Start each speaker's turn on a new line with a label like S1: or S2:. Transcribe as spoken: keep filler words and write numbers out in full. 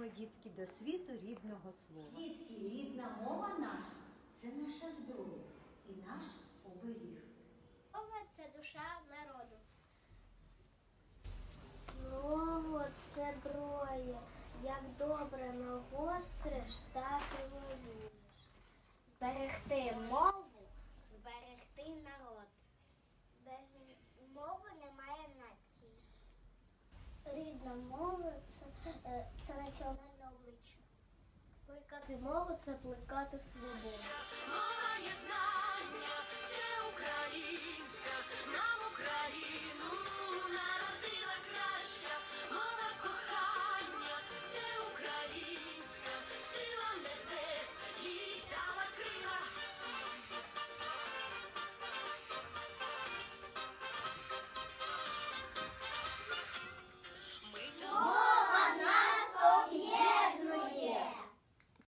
S1: Заходимо, дітки, до світу рідного слова.
S2: Дітки, рідна мова наша – це наша зброя і наш оберіг.
S3: Мова – це душа народу.
S4: Слово – це зброя, як добре нагостриш, так і воюєш.
S3: Зберегти мову – зберегти народ.
S4: Без мови немає нації. Рідна мова – це, е, це національне обличчя. Плекати мову – це плекати свободу.
S5: Мова єднання, це українська, нам Україну.